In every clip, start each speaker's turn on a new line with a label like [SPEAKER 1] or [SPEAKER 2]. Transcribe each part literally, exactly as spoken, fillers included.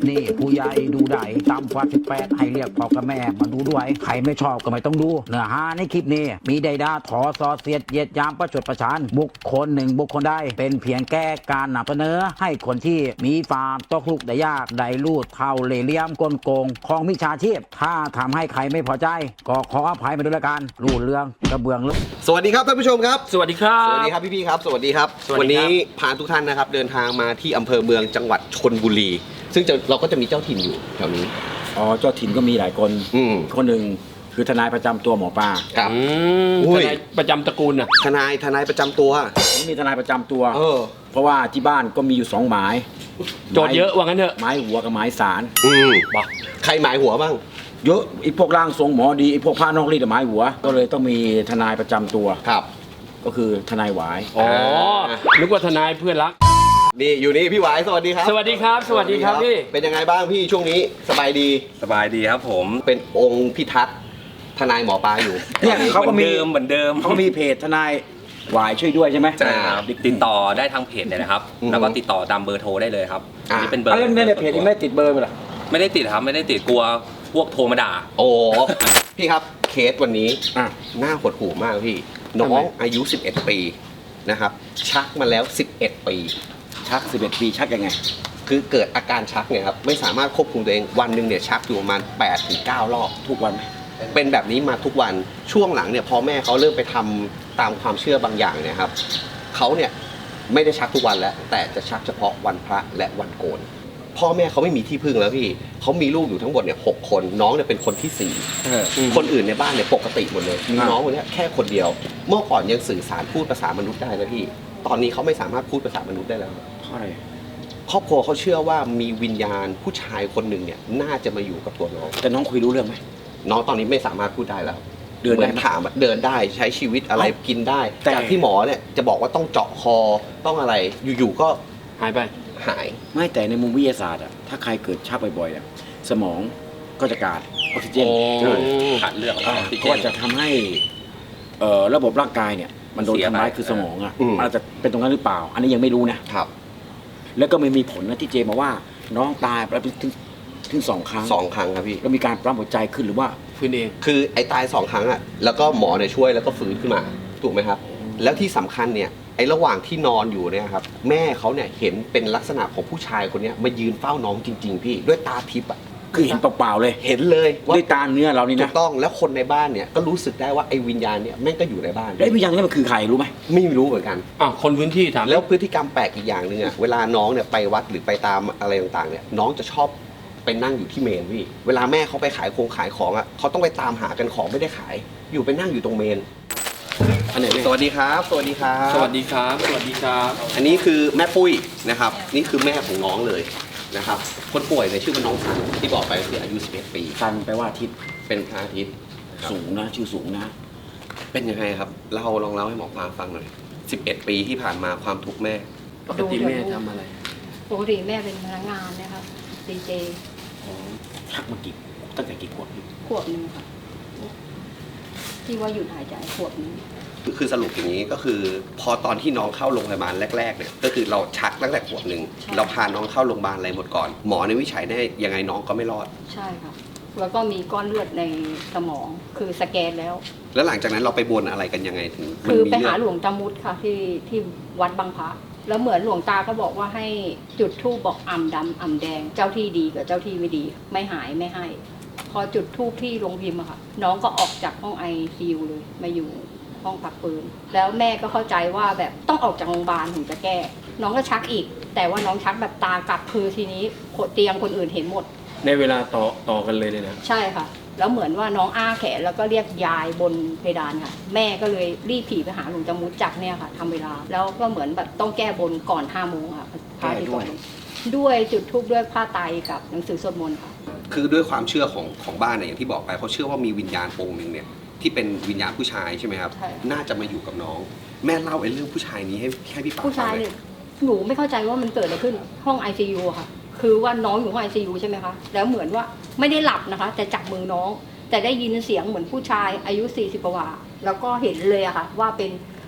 [SPEAKER 1] นี้ผู้ใหญ่ดูได้ตามฟ้าสิบแปดให้เรียกพ่อกับแม่มาดูด้วยใครไม่ชอบก็ไม่ต้องดูเนื้อหาในคลิปนี้มีใดด่าถอซอเสียดเหยียดยามประชดประชันบุคคลหนึ่งบุคคลใดเป็นเพียงแก้การนำเสนอให้คนที่มีความตกลุกได้ยากได้ลูดเท่าเล่ห์เหลี่ยมกลโกงของมิจฉาชีพถ้าทำให้ใครไม่พอใจก็ขออภัยมาด้วยละกันรูดเรื่องกระเบื้องลึก
[SPEAKER 2] สวัสดีครับท่านผู้ชมครับ
[SPEAKER 3] สวัสดีครับ
[SPEAKER 2] สวัสดีครับพี่ๆครับสวัสดีครับ
[SPEAKER 3] สวัสดีครับ
[SPEAKER 2] วันนี้พาทุกท่านนะครับเดินทางมาที่อำเภอเมืองจังหวัดชลบุรี ซึ่งจะเราก็จะมีเจ้าถิ่นอยู่แถวนี้
[SPEAKER 4] อ๋อเจ้าถิ่นก็มีหลายคน
[SPEAKER 2] อืม
[SPEAKER 4] คนหนึ่งคือทนายประจำตัวหมอปลา
[SPEAKER 2] ครับ
[SPEAKER 3] อืม
[SPEAKER 2] อุ้
[SPEAKER 3] ท
[SPEAKER 2] ย
[SPEAKER 3] นายประจำตระกูลน่ะ
[SPEAKER 2] ทนายทนายประจำตัว
[SPEAKER 4] ผมมีทนายประจำตัว
[SPEAKER 2] เออ
[SPEAKER 4] เพราะว่าที่บ้านก็มีอยู่สองหมาย
[SPEAKER 3] โจทย์เยอะว่างั้นเถอะ
[SPEAKER 4] หมายหัวกับหมายสาร
[SPEAKER 2] อืมใครหมายหัวบ้าง
[SPEAKER 4] เยอะไอ้พวกร่างทรงหมอดีไอ้พวกผ้านอกรีดหมายหัว ก็เลยต้องมีทนายประจำตัว
[SPEAKER 2] ครับ
[SPEAKER 4] ก็คือทนายหวาย
[SPEAKER 3] อ๋อ นึกว่าทนายเพื่อนรัก
[SPEAKER 2] นี่อยู่นี่พี่หวายสวัสดีครับ
[SPEAKER 3] สวัสดีครับ สวัสดีครับพี่
[SPEAKER 2] เป็นยังไงบ้างพี่ช่วงนี้สบายดี
[SPEAKER 5] สบายดีครับผม
[SPEAKER 2] เป็นองค์พิทักษ์ทนายหมอปลาอยู่
[SPEAKER 4] เนี่ยเขาก็
[SPEAKER 5] เหมื
[SPEAKER 4] มี
[SPEAKER 5] อนเดิมเหมือนเดิม
[SPEAKER 4] เขาก็มีเพจทนายหวายช่วยด้วยใช่ไหม
[SPEAKER 5] ใช่ครับติดต่อได้ทางเพจเลยนะครับ
[SPEAKER 2] อืม
[SPEAKER 5] แล้วก็ติดต่อตามเบอร์โทรได้เลยครับ
[SPEAKER 2] อ่า
[SPEAKER 5] อันนี้เป็นเบอร์
[SPEAKER 4] อะไรในเพจนี่ไม่ติดเบอร์ไปหรอ
[SPEAKER 5] ไม่ได้ติดครับไม่ได้ติดกลัวพวกโทรมาด่า
[SPEAKER 2] โอ้พี่ครับเคสวันนี้
[SPEAKER 4] อ่ะ
[SPEAKER 2] หน้าหดหูมากพี่น้อ
[SPEAKER 4] ทำไม
[SPEAKER 2] งอายุสิบเอ็ดปีนะครับชักมาแล้วสิบเอ็ดปี
[SPEAKER 4] ชักสิบเอ็ดปีชักยังไง
[SPEAKER 2] คือเกิดอาการชักเนี่ยครับไม่สามารถควบคุมตัวเองวันหนึ่งเนี่ยชักอยู่ประมาณแปดถึงเก้ารอบ
[SPEAKER 4] ทุกวันไหม
[SPEAKER 2] เป็นแบบนี้มาทุกวันช่วงหลังเนี่ยพอแม่เขาเริ่มไปทำตามความเชื่อบางอย่างเนี่ยครับเขาเนี่ยไม่ได้ชักทุกวันแล้ว แต่จะชักเฉพาะวันพระและวันโกนพ่อแม่เขาไม่มีที่พึ่งแล้วพี่เขามีลูกอยู่ทั้งหมดเนี่ยหกคนน้องเนี่ยเป็นคนที่สี่
[SPEAKER 4] เออ
[SPEAKER 2] คนอื่นในบ้านเนี่ยปกติหมดเลยมี
[SPEAKER 4] อ่า
[SPEAKER 2] น้องคนเนี้ยแค่คนเดียว เมื่อก่อนยังสื่อสารพูดภาษามนุษย์ได้นะพี่ตอนนี้เขาไม่สามารถพูดภาษามนุษย์ได้แล้ว
[SPEAKER 4] เพราะอะไร
[SPEAKER 2] ครอบครัวเขาเชื่อว่ามีวิญญาณผู้ชายคนหนึ่งเนี่ยน่าจะมาอยู่กับตัวน้อง
[SPEAKER 4] แต่น้องคุยรู้เรื่องไหม
[SPEAKER 2] น้องตอนนี้ไม่สามารถพูดได้แล้ว
[SPEAKER 4] เดินได้ไหม
[SPEAKER 2] หมือถามอะเดินได้ใช้ชีวิตอะไร
[SPEAKER 4] เอ้า
[SPEAKER 2] กินได้
[SPEAKER 4] แต่
[SPEAKER 2] จากที่หมอเนี่ยจะบอกว่าต้องเจาะคอต้องอะไรอยู่ๆก็
[SPEAKER 3] หายไป
[SPEAKER 2] หาย
[SPEAKER 4] ไม่แต่ในมุมวิทยาศาสตร์อะถ้าใครเกิดชักบ่อยๆอะสมองก็จะขาดออกซิเจน
[SPEAKER 3] โอ้
[SPEAKER 4] ใช่
[SPEAKER 5] ขาดเลือดออก
[SPEAKER 4] อ่า
[SPEAKER 5] ซิเจ
[SPEAKER 4] ก็
[SPEAKER 5] น
[SPEAKER 4] จะทำให้เอ่อระบบร่างกายเนี่ย มันโดน
[SPEAKER 5] เสีย
[SPEAKER 4] ทำร้าย
[SPEAKER 5] ไป
[SPEAKER 4] คือสมองอ่ะ
[SPEAKER 2] อืม
[SPEAKER 4] มันอาจจะเป็นตรงนั้นหรือเปล่า อันนี้ยังไม่รู้นะครับ แล้วก็ไม่มีผลนะที่เจมาว่า น้องตายไปแล้วถึงถึงสองครั้ง
[SPEAKER 2] สองครั้งครับพี่
[SPEAKER 4] แล้วมีการปั๊มหัวใจขึ้นหรือว่า
[SPEAKER 3] พื้นเอง
[SPEAKER 2] คือไอ้ตายสองครั้งอ่ะแล้วก็หมอเนี่ยช่วยแล้วก็ฟื้นขึ้นมาถูกไหมครับ แล้วที่สำคัญเนี่ยไอ้ระหว่างที่นอนอยู่เนี่ยครับแม่เขาเนี่ยเห็นเป็นลักษณะของผู้ชายคนเนี้ยมายืนเฝ้าน้องจริง ๆ พี่ด้วยตาทิพย์อ่ะ
[SPEAKER 4] คือเห็นเปล่าๆเลย
[SPEAKER 2] เห็นเลยว่า
[SPEAKER 4] ด้วยตาเนื้อเรานี่
[SPEAKER 2] ถู
[SPEAKER 4] นะ
[SPEAKER 2] กต้องแล้วคนในบ้านเนี่ยก็รู้สึกได้ว่าไอ้วิญญาณเนี่ยแม่งก็อยู่ในบ้าน
[SPEAKER 4] แล้ววิญญาณนี่มันคือใครรู้ไหม
[SPEAKER 2] ไม่รู้เหมือนกัน
[SPEAKER 3] อ่ะ คนพื้นที่ถาม
[SPEAKER 2] แล้วพฤติกรรมแปลกอีกอย่างหนึ่งอ่ะเวลาน้องเนี่ยไปวัดหรือไปตามอะไรต่างๆเนี่ยน้องจะชอบไปนั่งอยู่ที่เมนพี่เวลาแม่เขาไปขายโครงขายของอ่ะเขาต้องไปตามหากันของไม่ได้ขาย อยู่ไปนั่งอยู่ตรงเมน
[SPEAKER 4] อันไหนเนี่ย
[SPEAKER 2] สวัสดีครับ สวัสดีครับ
[SPEAKER 3] สวัสดีครับ สวัสดีครับ
[SPEAKER 2] อันนี้คือแม่ปุ้ยนะครับ นี่คือแม่ของน้องเลยนะครับคนป่วยในยชื่อว่าน้องสันที่บอกไปก็คืออายุสิบเอ็ดปี
[SPEAKER 4] ซันแปลว่าอาทิตย์
[SPEAKER 2] เป็นพระอาทิตย์ครับ
[SPEAKER 4] สูงนะชื่อสูงนะ
[SPEAKER 2] เป็นยังไงครับเล่าลองเล่าให้หมอปลาฟังหน่อยสิบเอ็ดปีที่ผ่านมาความทุกข์แม่
[SPEAKER 3] ปกติแม่ทำอะไร
[SPEAKER 6] ปกติแม่เป็นพนักงานนะครับดีเจ
[SPEAKER 4] ชักมากี่ตั้งแต่กี่ขวบ
[SPEAKER 6] ขวบหนึ่งค่ะ ที่ว่าหยุดหายใจขวบหนึ่ง
[SPEAKER 2] คือสรุปอย่างนี้ก็คือพอตอนที่น้องเข้าโรงพยาบาลแรกๆเนี่ยก็คือเราชักตั้งแต่ขวบหนึ่งเราพาน้องเข้าโรงพยาบาลอะไรหมดก่อนหมอในวิจัยได้ยังไงน้องก็ไม่รอด
[SPEAKER 6] ใช่ค่ะ แล้วก็มีก้อนเลือดในสมองคือสแกนแล้ว
[SPEAKER 2] แล้วหลังจากนั้นเราไปบนอะไรกันยังไงถึงมัน
[SPEAKER 6] คือ
[SPEAKER 2] มี
[SPEAKER 6] ไปหา
[SPEAKER 2] เรื่
[SPEAKER 6] หลวงตามุดค่ะที่ที่วัดบางพระแล้วเหมือนหลวงตาก็บอกว่าให้จุดธูปบอกอ่ำดำอ่ำแดง เจ้าที่ดีกับเจ้าที่ไม่ดี ไม่หายไม่ให้ พอจุดธูปที่โรงพิมพ์อะค่ะ น้องก็ออกจากห้องไอซียูเลยมาอยู่ห้องพักฟื้นแล้วแม่ก็เข้าใจว่าแบบต้องออกจากโรงพยาบาลถึงจะแก้ น้องก็ชักอีก แต่ว่าน้องชักแบบตากลับคือทีนี้เตียงคนอื่นเห็นหมด
[SPEAKER 3] ในเวลาต่อต่อกันเลยเลยนะ
[SPEAKER 6] ใช่ค่ะ แล้วเหมือนว่าน้องอ้าแขนแล้วก็เรียกยายบนเพดานค่ะ แม่ก็เลยรีบผีไปหาหลวงตามุดจักเนี่ยค่ะทำเวลา แล้วก็เหมือนแบบต้องแก้บนก่อนห้าโมงค่ะพระอาทิตย์ตกดินด้วยจุดธูปด้วยผ้าไตรกับหนังสือสวดมนต์ค่ะ
[SPEAKER 2] คือด้วยความเชื่อของของบ้านเนี่ยอย่างที่บอกไปเขาเชื่อว่ามีวิญญาณองค์หนึ่งเนี่ยที่เป็นวิญญาณผู้ชายใช่ไหมครับ
[SPEAKER 6] ใช่
[SPEAKER 2] น่าจะมาอยู่กับน้อง แม่เล่าไอ้เรื่องผู้ชายนี้ให้ให้พี่ปา
[SPEAKER 6] ผู้ชาย
[SPEAKER 2] ฟังห
[SPEAKER 6] เนี่
[SPEAKER 2] อย
[SPEAKER 6] หนูไม่เข้าใจว่ามันเกิดอะไรขึ้นห้อง ไอ ซี ยู อะค่ะ คือว่าน้องอยู่ห้อง ไอ ซี ยู ใช่ไหมคะ แล้วเหมือนว่าไม่ได้หลับนะคะ แต่จับมือน้อง แต่ได้ยินเสียงเหมือนผู้ชายอายุสี่สิบกว่า แล้วก็เห็นเลยอะค่ะ ว่าเป็น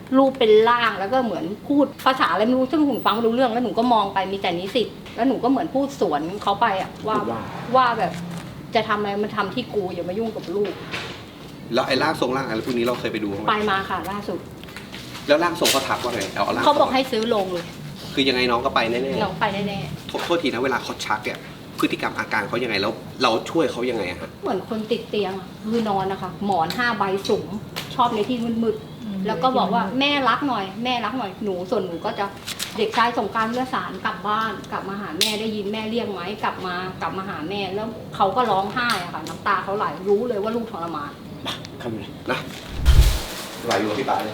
[SPEAKER 6] รูปเป็นร่างแล้วก็เหมือนพูดภาษาอะไรไม่รู้ซึ่งหนูฟังไม่รู้เรื่องแล้วหนูก็มองไปมีแต่นิสิตแล้วหนูก็เหมือนพูดสวนเขาไปอะว่า
[SPEAKER 4] พูดว่า
[SPEAKER 6] ว่าแบบจะทำอะไรมันทำที่กูอย่ามายุ่งกับลูก
[SPEAKER 2] แล้วไอ้ร่างทรงร่างอะไรพวกนี้เราเคยไปดูบ้างไห
[SPEAKER 6] ไป
[SPEAKER 2] ม
[SPEAKER 6] มาค่ะล่าสุด
[SPEAKER 2] แล้วร่างทรงเขาทักว่าไงเอาร่าง
[SPEAKER 6] เขาบอกให้ซื้อลงเลย
[SPEAKER 2] คือยังไงน้องก็ไปแน่
[SPEAKER 6] น้องไปแน่
[SPEAKER 2] ๆโทษโทษทีนะเวลาเขาชักเนี่ยพฤติกรรมอาการเขายังไงแล้วเราช่วยเขายังไงอะฮะ
[SPEAKER 6] ๆเหมือนคนติดเตียงอะคือนอนนะคะหมอนห้าใบสูงชอบในที่มืดๆแล้วก็บอกว่าแม่รักหน่อยแม่รักหน่อยหนูส่วนหนูก็จะเด็กชายสงกรารเลือดสารกลับบ้านกลับมาหาแม่ได้ยินแม่เรียกไหมกลับมากลับมาหาแม่แล้วเขาก็ร้องไห้อะค่ะน้ำตาเขาไหลรู้เลยว่าลูกทรมาน
[SPEAKER 4] เข้าไปเลย
[SPEAKER 2] นะไหลอยู่กับพี่ปาเลย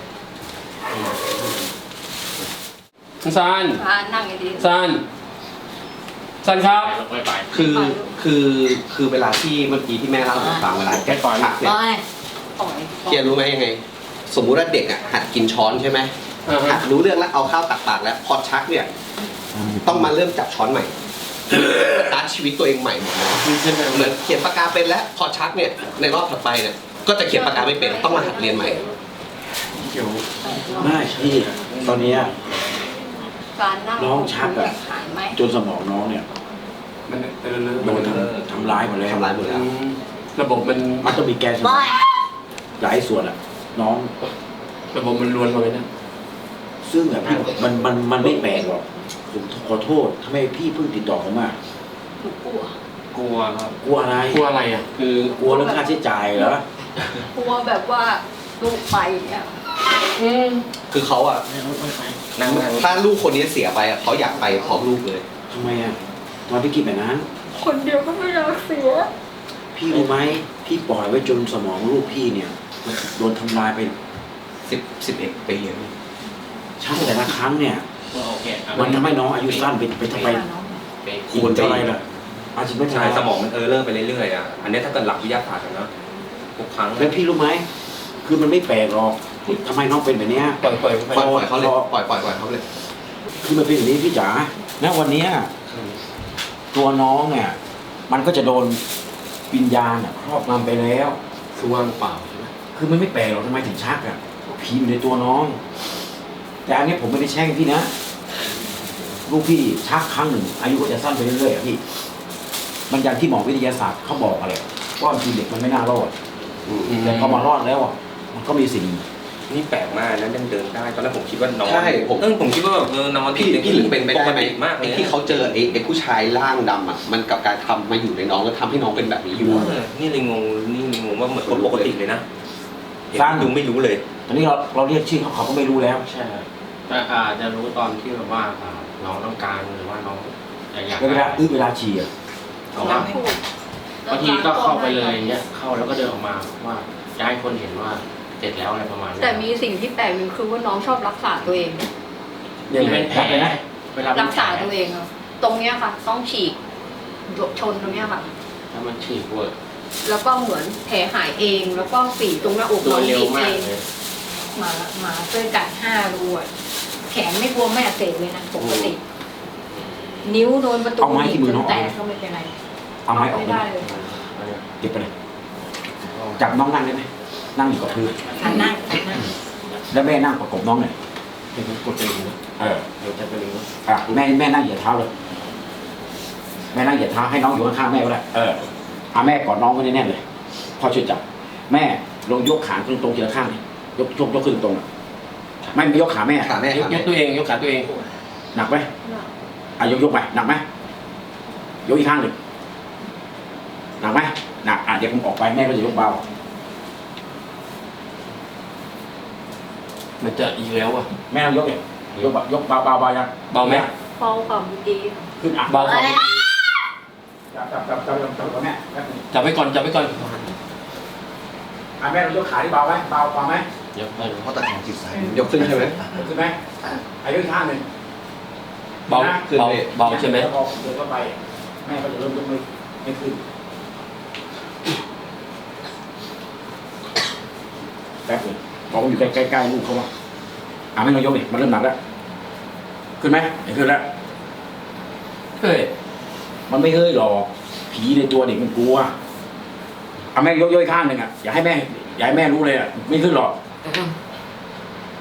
[SPEAKER 3] ซัน
[SPEAKER 6] อ่านั่งดีๆ
[SPEAKER 3] ซันซันครับ
[SPEAKER 2] คือคือคือเวลาที่เมื่อกี้ที่แม่เล่าให้ผมฟังเวลาแกปล่อยหักเนี่ย
[SPEAKER 6] ปล่อย
[SPEAKER 2] เกียร์รู้ไหมยังไง สมมุติว่าเด็กอ่ะหัดกินช้อนใช่ไหม
[SPEAKER 3] อ่าฮะ
[SPEAKER 2] หัดรู้เรื่องแล้วเอาข้าวตักปากแล้วพอชักเนี่ยต้องมาเริ่มจับช้อนใหม่สตาร์ทชีวิตตัวเองใหม่หมดเลยเหมือนเขียนปากกาเป็นแล้วพอชักเนี่ยในรอบถัดไปเนี่ยก็จะเขียนปากกาไม่เป็นต้องมาหัดเรียนใหม่
[SPEAKER 4] ไม่พี่ตอนเนี้ย
[SPEAKER 6] การนั่ง
[SPEAKER 4] น้องชักอะ
[SPEAKER 6] หายไหม
[SPEAKER 4] จนสมองน้องเนี่ย
[SPEAKER 3] มันเออเล
[SPEAKER 4] โดน
[SPEAKER 3] อะ
[SPEAKER 4] ทำทำร้ายหมดแล้ว
[SPEAKER 2] ทำร้ายหมดแล้ว
[SPEAKER 3] อืมระบบมัน
[SPEAKER 4] มันต้องมีแกนสมองหลายส่วนอะน้อง
[SPEAKER 3] ระบบมันรวนมาเลยนะ
[SPEAKER 4] ซึ่งแบบพี่มันมันมันไม่แปลกหรอกผมขอโทษทำไมพี่เพิ่งติดต่อผมมา
[SPEAKER 6] หนูกลัว
[SPEAKER 3] กลัวครับ
[SPEAKER 4] กลัวอะไร
[SPEAKER 3] กลัวอะไรอ่ะ
[SPEAKER 4] คือกลัวเรื่องค่าใช้จ่ายเหรอก
[SPEAKER 6] ลัวแบบว่าลูกไปเนี่ย
[SPEAKER 2] คือเขาอ่ะ
[SPEAKER 5] นั่งนั่ง
[SPEAKER 2] ถ้าลูกคนนี้เสียไปอ่ะเขาอยากไปพร้อมลูกเลย
[SPEAKER 4] ทำไมอะตอนพี่คิดแบบนั้น
[SPEAKER 6] คนเดียวก็ไม่อยากเสีย
[SPEAKER 4] พี่รู้ไหมพี่ปล่อยไว้จนสมองลูกพี่เนี่ยมันโดนทำลายไป
[SPEAKER 2] สิบสิบเอ็ดปีอะ
[SPEAKER 4] ช่างแต่ละครั้งเนี่ยมันทำให้น้องอายุสั้นไปไปทำไม
[SPEAKER 2] ควร
[SPEAKER 4] เท่าไรล่ะอาชีพไม่
[SPEAKER 5] ใช่
[SPEAKER 4] ใช่
[SPEAKER 5] สมองมันเออเลอร์ไปเรื่อยๆอ่ะอันนี้ถ้าเกิดหลักวิทยาศาสตร์อะนะทุกครั้ง
[SPEAKER 4] แล้วพี่รู้ไหมคือมันไม่แปลกหรอกทำไมน้องเป็นแบบเนี้ย
[SPEAKER 3] ปล่อยปล่อยไป
[SPEAKER 2] ปล่อยปล่อยเขาเลยปล่อยปล่อยปล่อยเขาเลย
[SPEAKER 4] คือมันเป็นอย่างนี้พี่จ๋าณวันเนี้ยตัวน้องเนี่ยมันก็จะโดนวิญญาณอะครอบงำไปแล้ว
[SPEAKER 3] คือว่างเปล่าใช่ไหม
[SPEAKER 4] คือมันไม่แปลกหรอกทำไมถึงชักอ่ะผีอยู่ในตัวน้อง แต่อันนี้ผมไม่ได้แช่งพี่นะลูกพี่ชักครั้งหนึ่งอายุก็จะสั้นไปเรื่อยๆอะพี่มันอย่างที่หมอวิทยาศาสตร์เขาบอกอะไรว่าบางทีเด็กมันไม่น่ารอดแต่พอมารอดแล้วอ่ะมันก็มีสิ่ง
[SPEAKER 5] นี่แปลกมากนะยังเดินได้ตอนแรกผมคิดว่านอน
[SPEAKER 2] ใช่ผม
[SPEAKER 5] เออผมคิดว่าแบบเออนอน
[SPEAKER 2] พี่พี่หรือเป็นไปได้
[SPEAKER 5] ปก
[SPEAKER 2] ไหม
[SPEAKER 5] ติมากเล
[SPEAKER 2] ไอ้
[SPEAKER 5] ย
[SPEAKER 2] ที่เขาเจอไอ้ไอ้ผู้ชายร่างดำอ่ะมันกับการทำมาอยู่ในน้องแล้วทำให้น้องเป็นแบบนี้อยู่อะ
[SPEAKER 5] เออนี่เลยงงนี่เลยงงว่าเหมือนคนปกติเลยนะเห็น
[SPEAKER 4] สร้าง
[SPEAKER 5] ดูไม่รู้เลย
[SPEAKER 4] ตอนนี้เราเราเรียกชื่อเขาเขาก็ไม่รู้แล้ว
[SPEAKER 7] ใช่แต่อาจจะรู้ตอนที่แบบว่าอ่าน้องต้องการหรือว่าน้องอยาก
[SPEAKER 4] เวลาอื้อเวลาฉี่อะ
[SPEAKER 7] เอาว่าบางทีก็เข้าไปเลยอย่างเงี้ยเข้าแล้วก็เดินออกมาว่าจะให้คนเห็นว่าเสร็จแล้วอะไรประมาณนี้
[SPEAKER 6] แต่มีสิ่งที่แปลกหนึ่งคือว่าน้องชอบรักษาตัวเอง
[SPEAKER 7] มีเป็นแผลเวลาเป็น
[SPEAKER 6] รัก
[SPEAKER 7] แผ
[SPEAKER 6] ษาตัวเองอะตรงเนี้ยค่ะ ต้องฉีกชนตรงเนี้ยค่ะ
[SPEAKER 7] ถ้ามันฉีกเวอร์
[SPEAKER 6] แล้วก็เหมือนแผลหายเอง แล้วก็ฝีตรงหน้าอก
[SPEAKER 7] โด
[SPEAKER 6] น้อน ง
[SPEAKER 7] เร็ว
[SPEAKER 6] ฉีก
[SPEAKER 7] มา
[SPEAKER 6] เอก ง
[SPEAKER 7] เลย
[SPEAKER 6] หมาหมาเส้นกัดห้ารูอะแขนไม่บวมไม่อักเสบเลยนะปกติ นิ้วโดนประตู
[SPEAKER 4] เอาไม้ที่มือน้อง
[SPEAKER 6] แตกก็ไม่เป็นไร
[SPEAKER 4] เอาไม้ออก
[SPEAKER 6] ไม่
[SPEAKER 4] ไป
[SPEAKER 6] ได้เลย
[SPEAKER 4] เก็บไปเลยจับน้องนั่งได้ไหมนั่งอยู่กับพื้น
[SPEAKER 6] หันหน้าหันหน้า
[SPEAKER 4] แล้วแม่นั่งประกบน้องหน่อย
[SPEAKER 7] เดี๋ยวมันกดไปเลยนะ
[SPEAKER 4] เออ
[SPEAKER 7] เดี๋ยวจะไปเลยนะ
[SPEAKER 4] อ่ะแม่แม่นั่งเหยียดเท้าเลยแม่นั่งเหยียดเท้าให้น้องอยู่ข้างๆแม่ก็ได้เออเอาแม่กอดน้องไว้แน่นๆเลยพ่อช่วยจับแม่ลงยกขาขึ้นตรงทีละข้างเลยยกยกยกขึ้นตรงอะไม่ไม่ยกขาแม่
[SPEAKER 2] ขาแม่
[SPEAKER 3] ยก
[SPEAKER 2] ขาย แม่
[SPEAKER 3] กตัวเองยกขาตัวเอง
[SPEAKER 4] หนักไหมอ่ะยกยกไปหนักไหมยกอีกข้างหนึ่งหนักไหมหนักอ่ะเดี๋ยวผมออกไปแม่ก็จะยกเบา
[SPEAKER 3] มันจะอีกแล้วอ่ะ
[SPEAKER 4] แม่ต้องยกเนี่ยยกแบบยกเบาเบาเบายัง
[SPEAKER 3] เบาไหม
[SPEAKER 6] เบาความดี
[SPEAKER 4] ขึ้นอ่ะ
[SPEAKER 3] เบาครับ
[SPEAKER 4] จับจับจับจับจับจับแม่แป๊บนึง
[SPEAKER 3] จับไว้ก่อนจับไว้ก่อน
[SPEAKER 4] อ่ะแม่ลองยกขาที่เบาไหมเบาเบาไหม
[SPEAKER 7] เดี๋ยวไปเลย
[SPEAKER 2] เพราะตัดของจิตใจยกขึ้นใช่ไหม
[SPEAKER 4] ยกขึ้นไหมอ่ะยกอีกข้างหนึ่ง
[SPEAKER 3] เบา
[SPEAKER 4] นะ
[SPEAKER 3] เบาเบาใช่ไหม
[SPEAKER 4] แล้วพอเดินเข้าไปแม่ก็จะเริ่มยกไม่ไม่ขึ้นแป๊บนึงบอกว่าอยู่ใกล้ใกล้ๆลูกเขาว่าอ่ะไม่ลองยกดิมันเริ่มหนักแล้วขึ้นไหมไม่ขึ้นแล้ว
[SPEAKER 3] เฮ้ย
[SPEAKER 4] มันไม่เฮ้ยหรอกผีในตัวเด็กมันกลัวเอาแม่ยกย่อยข้างหนึ่งอ่ะอย่าให้แม่อย่าให้แม่รู้เลยอ่ะไม่ขึ้นหรอก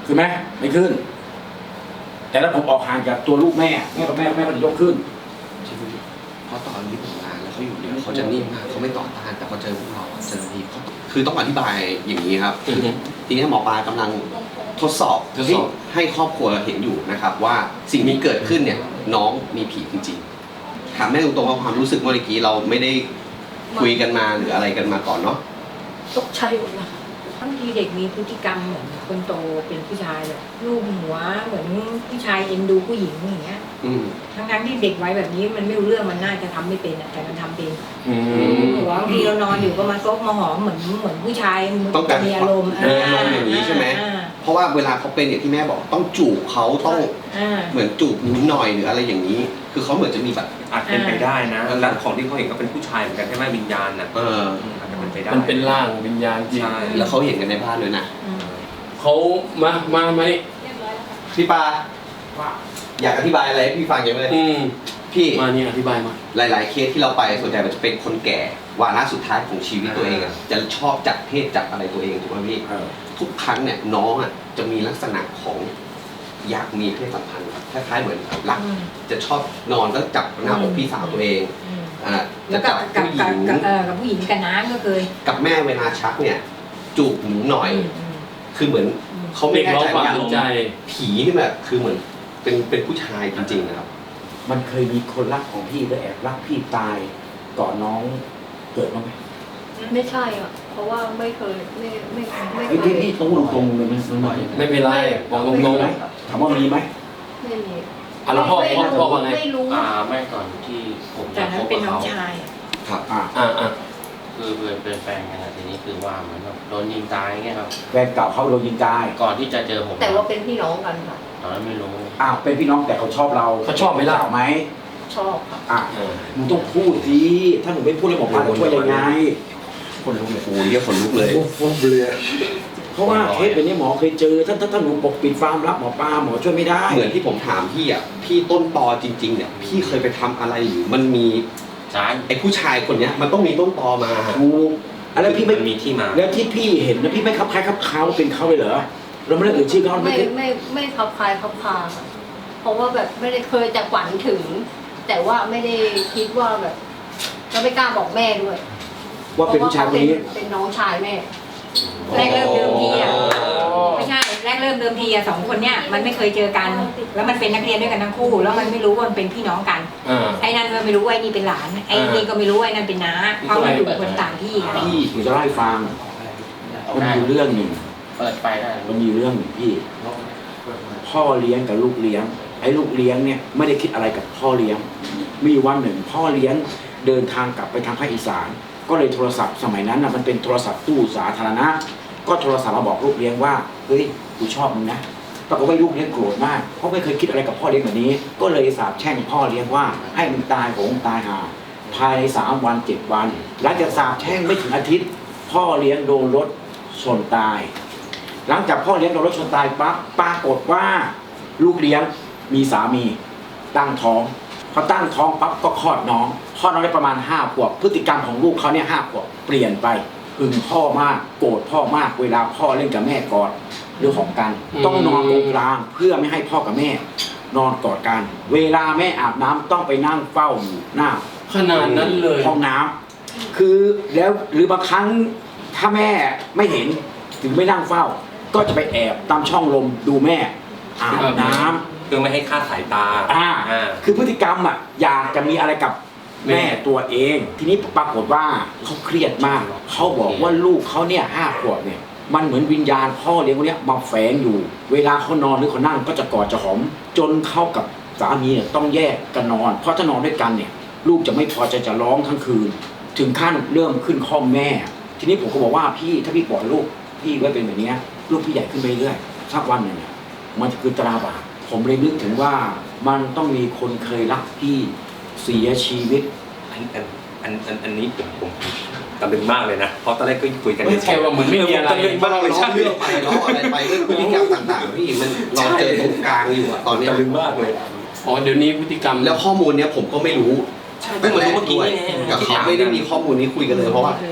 [SPEAKER 4] ขึ้นไหมไม่ขึ้น แต่ถ้าผมออกห่างจากตัวลูกแม่แม่กับแม่แม่ก็จะยกขึ้น
[SPEAKER 2] เพราะตอนที่ผมมาแล้วเขาอยู่เนี่ยเขาจะนิ่งมากเขาไม่ต่อต้านแต่พอเจอพวกเราเจอทีเขาคือต้องอธิบายอย่างนี้ครับ
[SPEAKER 3] อือฮึ
[SPEAKER 2] ทีนี้หมอปลากำลังทดสอบ
[SPEAKER 3] ทดสอบ
[SPEAKER 2] ให้ครอบครัวเห็นอยู่นะครับ ว่าสิ่งนี้เกิดขึ้นเนี่ยน้องมีผีจริงๆถามแม่ตรงๆว่าความรู้สึกเมื่อกี้เราไม่ได้คุยกันมาหรืออะไรกันมาก่อนเนาะ
[SPEAKER 8] ตกใจหมดเลยค่ะบางทีเด็กมีพฤติกรรมเหมือนคนโตเป็นผู้ชายแบบรูปหัวเหมือนผู้ชายเอ็นดูผู้หญิงอย่างเงี้ย
[SPEAKER 2] อืม
[SPEAKER 8] ทั้งๆที่เด็กไว้แบบนี้มันไม่รู้เรื่องมันน่าจะทำไม่เป็นอะแต่มันทำเป็น
[SPEAKER 3] อืม
[SPEAKER 8] หัวบางทีเรานอนอยู่ก็มาซบมาหอมเหมือนเหมือนผู้ชาย
[SPEAKER 2] ต้องการ
[SPEAKER 8] มีอารมณ์
[SPEAKER 2] เอออย่างนี้ใช่ไหม
[SPEAKER 8] อ่า
[SPEAKER 2] เพราะว่าเวลาเขาเป็นอย่างที่แม่บอกต้องจูบเขาต้อง
[SPEAKER 8] อ่า
[SPEAKER 2] เหมือนจูบนิดหน่อยหรืออะไรอย่างนี้ คือเขาเหมือนจะมีแบบ
[SPEAKER 5] อาจเป็นไปได้นะแล้วของที่เขาเห็นก็เป็นผู้ชายเหมือนกันใช่ไหมวิญญาณน่ะ
[SPEAKER 2] เออ
[SPEAKER 5] อาจจะเป็นไปได้
[SPEAKER 3] มันเป็นร่างวิญญาณจริง
[SPEAKER 5] ใช่
[SPEAKER 2] แล้วเขาเห็นกันในบ้านด้วยนะ
[SPEAKER 8] อืม
[SPEAKER 3] เขามามามานี่
[SPEAKER 2] พี่ปาอยากอธิบายอะไรให้พี่ฟังยังไง
[SPEAKER 3] อืม
[SPEAKER 2] พี่
[SPEAKER 3] มานี่อธิบายมา
[SPEAKER 2] หลาย ๆ เคสที่เราไปส่วนใหญ่มันจะเป็นคนแก่วาระสุดท้ายของชีวิตตัวเองอะจะชอบจัดเพศจัดอะไรตัวเองถูกไหมพี่
[SPEAKER 4] เออ
[SPEAKER 2] ทุกครั้งเนี่ยน้องอ่ะจะมีลักษณะของอยากมีเพศสัมพันธ์คล้าย ๆ เหมือนรัก
[SPEAKER 8] อืม
[SPEAKER 2] จะชอบนอนแล้วจับหน้าอกพี่สาวตัวเอง
[SPEAKER 8] อืม
[SPEAKER 2] อ่า
[SPEAKER 8] แล้
[SPEAKER 2] จะ
[SPEAKER 8] วกั
[SPEAKER 2] จั
[SPEAKER 8] บบ กับ
[SPEAKER 2] ผู้ห
[SPEAKER 8] กั
[SPEAKER 2] ญิ
[SPEAKER 8] บ
[SPEAKER 2] ง
[SPEAKER 8] กับเออกับผู้หญิงกับน้ำก็เคย
[SPEAKER 2] กับแม่เวลาชักเนี่ยจูบหนูหน่อย
[SPEAKER 8] อืมอืม
[SPEAKER 2] คือเหมือนเขาไม่
[SPEAKER 3] เรียก
[SPEAKER 2] แน่
[SPEAKER 3] ร้อง
[SPEAKER 2] ใจ
[SPEAKER 3] ความ
[SPEAKER 2] ว่า
[SPEAKER 3] สนใจ
[SPEAKER 2] ผีนี่แบบคือเหมือนเป็นเป็นผู้ชายจริงๆนะครับ
[SPEAKER 4] มันเคยมีคนรักของพี่แล้วแอบรักพี่ตายก่อนน้องเกิดบ้างไหม
[SPEAKER 6] ไม่ใช่อ่ะ เพราะว่าไม่เคยไม่ไม่ไม่
[SPEAKER 4] เฮ้ย
[SPEAKER 6] เค
[SPEAKER 4] พี่
[SPEAKER 6] ย
[SPEAKER 4] พี่ต้องพูดตรงๆเลยไหมมันหน่อย
[SPEAKER 3] ไม่เป็นไรบอกต
[SPEAKER 4] มี
[SPEAKER 3] รง
[SPEAKER 4] ไหมถามว่ามีไหม
[SPEAKER 6] ไม่มี
[SPEAKER 3] ๆอ่ะแล้วพ่อพ่อพ่อว่าไง
[SPEAKER 6] ไม่รู้
[SPEAKER 7] อ่าแม่ก่อนที่ผม
[SPEAKER 8] แต่
[SPEAKER 7] จะ
[SPEAKER 8] นั้
[SPEAKER 7] คน บ
[SPEAKER 8] เป็น
[SPEAKER 7] กับ
[SPEAKER 8] น้อง
[SPEAKER 7] เขา
[SPEAKER 8] ชายอะ
[SPEAKER 2] ครับ
[SPEAKER 4] อ่า
[SPEAKER 3] อ่าอ่า
[SPEAKER 7] คือเป็นเป็นแฟนกันอะทีนี้คือว่าเหมือนแบบโดนยิงตายเงี้ยครับ
[SPEAKER 4] แฟนเก่าเขาโดนยิงตาย
[SPEAKER 7] ก่อนที่จะเจอผม
[SPEAKER 6] แต่ว่าเป็นพี่น้องกันค่ะ
[SPEAKER 7] ตอนนั้นไม่รู้
[SPEAKER 4] อ้าวเป็นพี่น้องแต่เขาชอบเรา
[SPEAKER 3] เขาชอบไหมล่ะ
[SPEAKER 4] เก่าไหม
[SPEAKER 6] ชอบค่ะ
[SPEAKER 4] อ่ะ
[SPEAKER 3] เออ
[SPEAKER 4] มึงต้องพูดสิถ้าหนูไม่พูดแล้วหมอปลาจะช่วยยังไง
[SPEAKER 2] คนลุกเลยโอ้ยเรียกคนลุกเลย
[SPEAKER 4] เพราะว่าเคสแบบนี้หมอเคยเจอถ้าถ้าถ้าหนูปกปิดความลับหมอปลาหมอช่วยไม่ได้
[SPEAKER 2] เหมือนที่ผมถามพี่อ่ะพี่ต้นตอจริง ๆ เนี่ยพี่เคยไปทำอะไรหรือมันมี
[SPEAKER 7] ใช่
[SPEAKER 2] ไอ้ผู้ชายคนเนี้ยมันต้องมีต้นตอมา
[SPEAKER 4] ถูกอะไรพี่ไม่
[SPEAKER 5] มันมีที่มา
[SPEAKER 4] แล้วที่พี่เห็นนะพี่ไม่คับคล้ายคับเขาเป็นเขาเลยเหรอเราไม่ได้เอ่ยชื่อเขาไม่
[SPEAKER 6] ไม่
[SPEAKER 4] ได้
[SPEAKER 6] ไม่ไม่ขับคลายขับคลาค่ะเพราะว่าแบบไม่ได้เคยแต่ฝันถึง แต่ว่าไม่ได้คิดว่าแบบเราไม่กล้าบอกแม่ด้วย
[SPEAKER 4] ว่าเป็นผู้ชายคนนี้
[SPEAKER 6] เพระว่เขเป็นเป็นน้องชายแม่
[SPEAKER 8] แรกเริ่มเดิมทีอ่ะไม่ใช่แรกเริ่มเดิมทีอ่ะสองคนเนี้ยมันไม่เคยเจอกัน แล้วมันเป็นนักเรียนด้วยกันทั้งคู่ แล้วมันไม่รู้ว่ามันเป็นพี่น้องกัน
[SPEAKER 3] อ่า
[SPEAKER 8] ไอ้นั่นก็ไม่รู้ว่าไอ้นี่เป็นหลานไอ้นี่ก็ไม่รู้ว่าไอ้นั่นเป็นน้าเพราะมันอยู่คนต่างที่กัน
[SPEAKER 4] พี่หนูจะเล่าให้ฟังมันมีเรื่องหนึ่ง
[SPEAKER 7] เปิดไฟได้
[SPEAKER 4] มันมีเรื่องหนึ่งพี่ พ่อเลี้ยงกับลูกเลี้ยง ไอ้ลูกเลี้ยงเนี่ยไม่ได้คิดอะไรกับพ่อเลี้ยง มีวันหนึ่ง พ่อเลี้ยงเดินทางกลับไปทางภาคอีสาน ก็เลยโทรศัพท์สมัยนั้นนะมันเป็นโทรศัพท์ตู้สาธารณะ ก็โทรศัพท์มาบอกลูกเลี้ยงว่าเฮ้ยกูชอบมึงนะปรากฏว่าลูกเลี้ยงโกรธมากเพราะไม่เคยคิดอะไรกับพ่อเลี้ยงแบบนี้ ก็เลยสาบแช่งพ่อเลี้ยงว่าให้มึงตายโหงตายหาภายในสามวันเจ็ดวันหลังจากสาบแช่งไม่ถึงอาทิตย์ พ่อเลี้ยงโดนรถชนตาย หลังจากพ่อเลี้ยงโดนรถชนตายปั๊บปรากฏว่าลูกเลี้ยงมีสามีตั้งท้องพอตั้งท้องปั๊บก็คลอดน้องคลอดน้องได้ประมาณห้าขวบพฤติกรรมของลูกเขาเนี่ยห้าขวบเปลี่ยนไปหึงพ่อมากโกรธพ่อมากเวลาพ่อเล่นกับแม่กอดเรื่องของกัน
[SPEAKER 3] อืม
[SPEAKER 4] ต้องนอนตรงกลางเพื่อไม่ให้พ่อกับแม่ นอนกอดกัน เวลาแม่อาบน้ำต้องไปนั่งเฝ้าอยู่หน้า
[SPEAKER 3] ขนาดนั้นเลย
[SPEAKER 4] ห้องน้ำคือแล้วหรือบางครั้งถ้าแม่ไม่เห็นถึงไม่นั่งเฝ้า ก็จะไปแอบตามช่องลมดูแม่อาบน้ำ
[SPEAKER 5] เพื่อไม่ให้คลาดสายตา
[SPEAKER 4] อ่า
[SPEAKER 5] อ่า
[SPEAKER 4] คือพฤติกรรมอ่ะอยากจะมีอะไรกับแม่ตัวเอง ทีนี้ปรากฏว่าเขาเครียดมากเขาบอกว่าลูกเขาเนี่ยห้าขวบเนี่ยมันเหมือนวิญญาณพ่อเลี้ยงคนเนี้ยมาแฝงอยู่ เวลาเขานอนหรือเขานั่งก็จะกอดจะหอม จนเข้ากับสามีเนี่ยต้องแยกกันนอน เพราะถ้านอนด้วยกันเนี่ยลูกจะไม่พอใจจะร้องทั้งคืน ถึงขั้นเริ่มขึ้นข้อมแม่ ทีนี้ผมก็บอกว่าพี่ถ้าพี่ปล่อยลูกพี่ไว้เป็นแบบนี้ลูกพี่ใหญ่ขึ้นไปเรื่อยสักวันหนึ่งเนี่ยมันจะคือตราบาปผมเลยนึกถึงว่ามันต้องมีคนเคยรักพี่เสียชีวิต
[SPEAKER 5] อันอันอันอันอันนี้ผมผมตะลึงมากเลยนะ เพราะตอนแรกก็คุยกัน
[SPEAKER 3] ไม่ใช่ว่าเหมือนไม่มีอะไร
[SPEAKER 5] ตะลึงมากเลย
[SPEAKER 2] ล้อ
[SPEAKER 5] ใช่
[SPEAKER 2] เรื่องไปล้ออะไรไปเรื่องพฤติกรรมต่างๆพี่มันเราเจอตรงกลางอยู่อะตอนเนี้ย
[SPEAKER 5] ตะลึงมากเลย
[SPEAKER 3] อ๋อเดี๋ยวนี้พฤติกรรม
[SPEAKER 2] แล้วข้อมูลเนี้ยผมก็ไม่รู้
[SPEAKER 5] เพิ่งมารู้เมื่อกี้
[SPEAKER 2] ด้วย
[SPEAKER 5] นี่ไง
[SPEAKER 2] กับเขาไม่ได้มีข้อมูลนี้คุยกันเลยเพราะว่า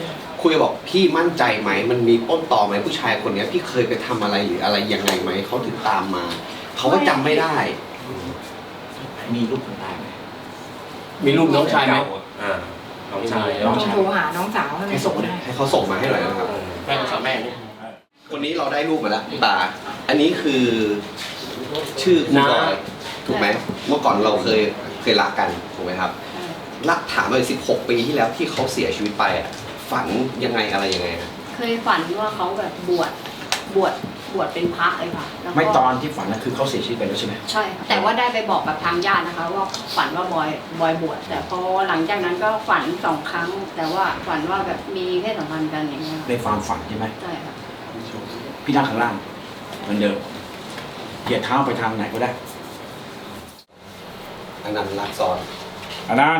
[SPEAKER 2] คุยบอกพี่มั่นใจไหมมันมีต้นตอไหมผู้ชายคนเนี้ยพี่เคยไปทำอะไรหรืออะไรยังไงไหมเขาถึงตามมาเขาก็จำไม่ได้
[SPEAKER 4] มีรูปคนตายไหม
[SPEAKER 3] มีรูปน้องชายไหม
[SPEAKER 5] อ่าน้องชาย
[SPEAKER 4] น้อง
[SPEAKER 8] ต้อง
[SPEAKER 4] ชาย
[SPEAKER 8] โทรหาน้องสาวให้
[SPEAKER 4] ให้ส่งมาได้
[SPEAKER 2] ให้เขาส่งมาให้หน่อยนะครับ
[SPEAKER 7] แม่สาวแม่เนี่ย
[SPEAKER 2] คนนี้เราได้รูปมาแล้วตาอันนี้คือชื่อคุณบอยถูกไหมเมื่อก่อนเราเคยเคยรักกันถูกไหมครับรักถามเลยสิบหกปีที่แล้วที่เขาเสียชีวิตไปอ่ะฝันยังไงอะไรยังไงฮะ
[SPEAKER 6] เคยฝันว่าเขาแบบบวชบวชบวชเป็นพระเลยค่ะแล้วก็
[SPEAKER 4] ไม่ตอนที่ฝันนะคือเขาเสียชีวิตไปแล้วใช่ไหม
[SPEAKER 6] ใช่ค่ะแต่ว่าได้ไปบอกกับทางญาตินะคะ ว่าฝันว่าบอยบอยบวชแต่พอหลังจากนั้นก็ฝันสองครั้ง แต่ว่าฝันว่าแบบมีเพศสัมพันธ์กันอย่างเงี้ย
[SPEAKER 4] ในความฝันใช่ไหม
[SPEAKER 6] ใช่ค่ะ
[SPEAKER 4] พี่นั่งข้างล่างเหมือนเดิมเหยียดเท้าไปทางไหนก็ได้
[SPEAKER 2] อันนั้นรักซ้อน
[SPEAKER 4] อันนั้น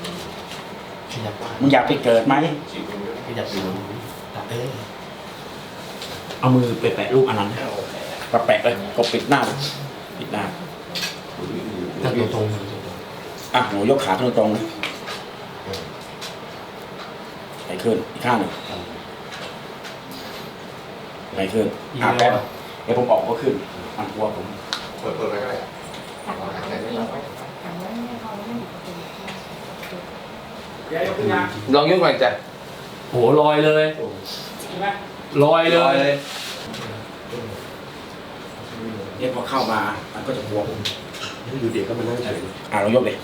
[SPEAKER 4] มึงอยากไปเกิดไหม
[SPEAKER 7] ขยับดูเออ
[SPEAKER 4] เอามือไปแปะรูปอันนั้นก็แปะเลยก็ปิดหน้าเลยปิดหน้า
[SPEAKER 7] ถ้าตรงตรง
[SPEAKER 4] อ่ะหนูยกขาตรงตรงๆนะไหนขึ้นอีกข้างหนึ่งไหนขึ้นอ่ะแป๊บเดี๋ยวผมออกก็ขึ้นมันกลัวผม
[SPEAKER 2] เปิดเปิดไปก็ได้
[SPEAKER 5] ลองยกหน่อยจ้ะ
[SPEAKER 3] โหลอยเลยลอยเลย
[SPEAKER 4] เนี่ยพอเข้ามามันก็จะกลัวผม
[SPEAKER 5] อยู่เด็กก็มานั่งเฉย
[SPEAKER 4] อ่ะเรายกเลย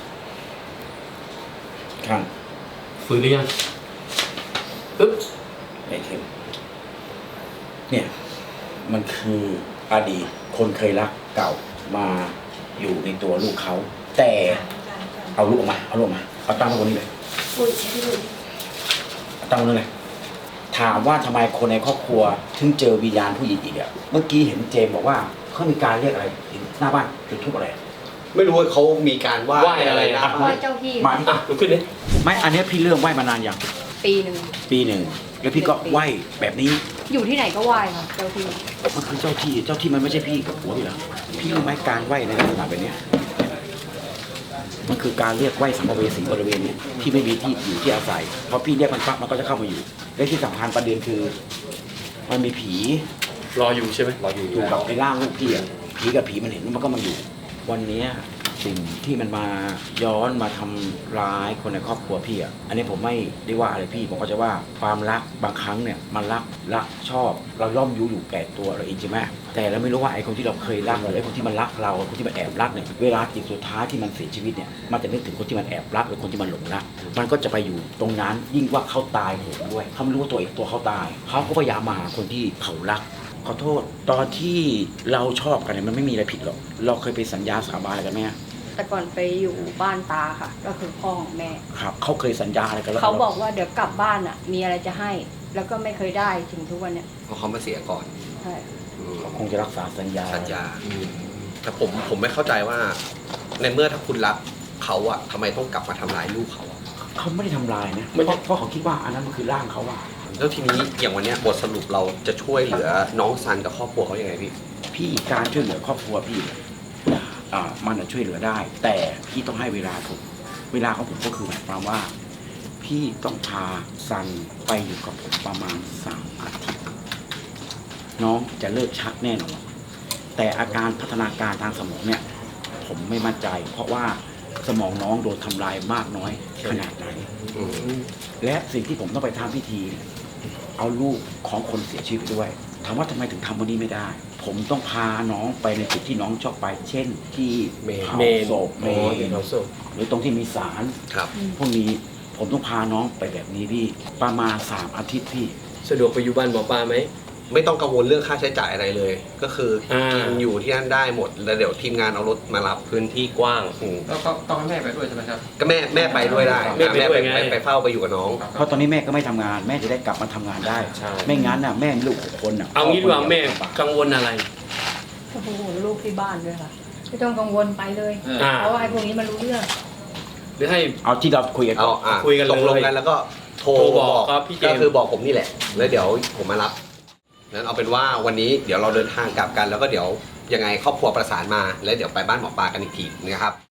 [SPEAKER 4] ข้าง
[SPEAKER 3] ฟื้นหรือยังอึ๊บ
[SPEAKER 4] ไหนขึ้นเนี่ยมันคืออดีตคนเคยรักเก่ามาอยู่ในตัวลูกเขาแต่เอาลูกออกมาเอาลูกออกมาเอาตั้งไว้บนนี้เลยเอาตั้งไว้ตรงนี้เลยถามว่าทำไมคนในครอบครัวถึงเจอวิญญาณผู้หญิงอีกอ่ะเมื่อกี้เห็นเจมบอกว่าเขามีการเรียกอะไรหน้าบ้านจุดทูบอะไร
[SPEAKER 2] ไม่รู้ว่าเขามีการไหว้อะไรนะ
[SPEAKER 6] ไหว้เจ้าที่
[SPEAKER 4] มา
[SPEAKER 3] อ่ะลุกขึ้นดิ
[SPEAKER 4] ไม่อันเนี้ยพี่เริ่มไหว้มานานยัง
[SPEAKER 6] ปีหนึ่ง
[SPEAKER 4] ปีหนึ่งแล้วพี่ก็ไหว้แบบนี้
[SPEAKER 6] อยู่ที่ไหนก็ไหว้ค่ะเจ้าที่
[SPEAKER 4] มันคือเจ้าที่เจ้าที่มันไม่ใช่พี่กับผัวพี่เหรอพี่รู้ไหมการไหว้ในลักษณะแบบเนี้ยมันคือการเรียกไหว้สัมภเวสีบริเวณเนี้ยที่ไม่มีที่อยู่ที่อาศัยพอพี่เรียกมันปั๊บมันก็จะเข้ามาอยู่และที่สำคัญประเด็นคือ มันมีผี
[SPEAKER 3] รออยู่ใช่ไหม
[SPEAKER 5] รออยู่
[SPEAKER 4] อยู่กับไอ้ร่างลูกพี่อะผีกับผีมันเห็นมันก็มาอยู่ วันเนี้ยสิ่งที่มันมาย้อนมาทำร้ายคนในครอบครัวพี่อ่ะอันนี้ผมไม่ได้ว่าอะไรพี่ผมก็จะว่าความรักบางครั้งเนี่ยมันรักรักชอบเราย่อมอยู่อยู่แก่ตัวเราเองใช่ไหมแต่เราไม่รู้ว่าไอ้คนที่เราเคยรักหรือไอ้คนที่มันรักเราคนที่มันแอบรักเนี่ยเวลาจิตสุดท้ายที่มันเสียชีวิตเนี่ยมันจะนึกถึงคนที่มันแอบรักหรือคนที่มันหลงรักมันก็จะไปอยู่ตรงนั้นยิ่งว่าเขาตายโหงด้วยเขาไม่รู้ว่าตัวเองตัวเขาตายเขาก็พยายามมาหาคนที่เขารักขอโทษตอนที่เราชอบกันเนี่ยมันไม่มีอะไรผิดหรอกเราเคยไปสัญญาสาบานอะไรกันไหม
[SPEAKER 6] แต่ก่อนไปอยู่บ้านตาค่ะ ก็คือพ่อของแม่
[SPEAKER 4] ครับเขาเคยสัญญาอะไรกันแล้ว
[SPEAKER 6] เขาบอกว่าเดี๋ยวกลับบ้านอ่ะ มีอะไรจะให้ แล้วก็ไม่เคยได้ถึงทุกวันเนี้ย
[SPEAKER 2] เพราะเขามาเสียก่อน
[SPEAKER 6] ใช่
[SPEAKER 2] อืม
[SPEAKER 4] คงจะรักษาสัญญา
[SPEAKER 2] สัญญาแต่ผมผมไม่เข้าใจว่า ในเมื่อถ้าคุณรักเขาอะทำไมต้องกลับมาทำร้ายลูกเขาอะ
[SPEAKER 4] เขาไม่ได้ทำลายนะเพราะเพราะเขาคิดว่าอันนั้นมันคือร่างเขาว่า
[SPEAKER 2] แล้วทีนี้อย่างวันเนี้ยบทสรุปเราจะช่วยเหลือน้องซันกับครอบครัวเขายังไงพี่
[SPEAKER 4] พี่การช่วยเหลือครอบครัวพี่เนี่ยอ่ามันจะช่วยเหลือได้ แต่พี่ต้องให้เวลาผมเวลาของผมก็คือหมายความว่า พี่ต้องพาซันไปอยู่กับผมประมาณสามอาทิตย์น้องจะเลิกชักแน่นอนแต่อาการพัฒนาการทางสมองเนี่ย ผมไม่มั่นใจ เพราะว่าสมองน้องโดนทำลายมากน้อยขนาดไหน
[SPEAKER 2] อืม
[SPEAKER 4] และสิ่งที่ผมต้องไปทำพิธีเนี่ยเอาลูกของคนเสียชีวิตด้วยถามว่าทำไมถึงทำวันนี้ไม่ได้ ผมต้องพาน้องไปในจุดที่น้องชอบไป เช่นที่เผาศพเมนหรือตรงที่มีศาล
[SPEAKER 2] ครับ
[SPEAKER 4] พวกนี้ผมต้องพาน้องไปแบบนี้พี่ประมาณสามอาทิตย์พี่
[SPEAKER 3] สะดวกไปอยู่บ้านหมอปลาไหม
[SPEAKER 2] ไม่ต้องกังวลเรื่องค่าใช้จ่ายอะไรเลย ก็คืออา กินอยู่ที่นั่นได้หมด แล้วเดี๋ยวทีมงานเอารถมารับ
[SPEAKER 3] พื้นที่กว้าง
[SPEAKER 2] อืม
[SPEAKER 5] แล้วก็ต้องให้แม่ไปด้วยใช่ไหมครับ
[SPEAKER 2] ก็แม่แม่ไปด้วยได้
[SPEAKER 3] แม่ไปด้วย
[SPEAKER 2] ไป
[SPEAKER 3] ไง
[SPEAKER 2] ไปไปเฝ้าไปอยู่กับน้อง
[SPEAKER 4] เพราะตอนนี้แม่ก็ไม่ทำงาน แม่จะได้กลับมาทำงานได้
[SPEAKER 5] ใช่
[SPEAKER 4] ไม่งั้นน่ะแม่มีลูกหกคนน่ะ
[SPEAKER 3] เอางี้ดีกว่าแม่กังวลอะไร
[SPEAKER 6] โอ้โหลูกที่บ้านด้วยค่ะ ไม่ต้องกังวลไปเลย
[SPEAKER 3] อ่า
[SPEAKER 6] เพราะว่าไอ้พวกนี้มันรู้เรื่อง
[SPEAKER 3] หรือให้
[SPEAKER 4] เอาที่เราคุยกัน
[SPEAKER 2] เอา
[SPEAKER 4] ก่อน
[SPEAKER 2] อ่ะ
[SPEAKER 3] คุยกันเลย
[SPEAKER 2] ตกลงกันแล้วก็โทร
[SPEAKER 3] โทรบอกครับพี่เจมส์
[SPEAKER 2] ก็คือบอกผมนี่แหละ แล้วเดี๋ยวผมมารับนั้นเอาเป็นว่าวันนี้เดี๋ยวเราเดินทางกลับกัน แล้วก็เดี๋ยวยังไงครอบครัวประสานมา แล้วเดี๋ยวไปบ้านหมอปลากันอีกทีนะครับ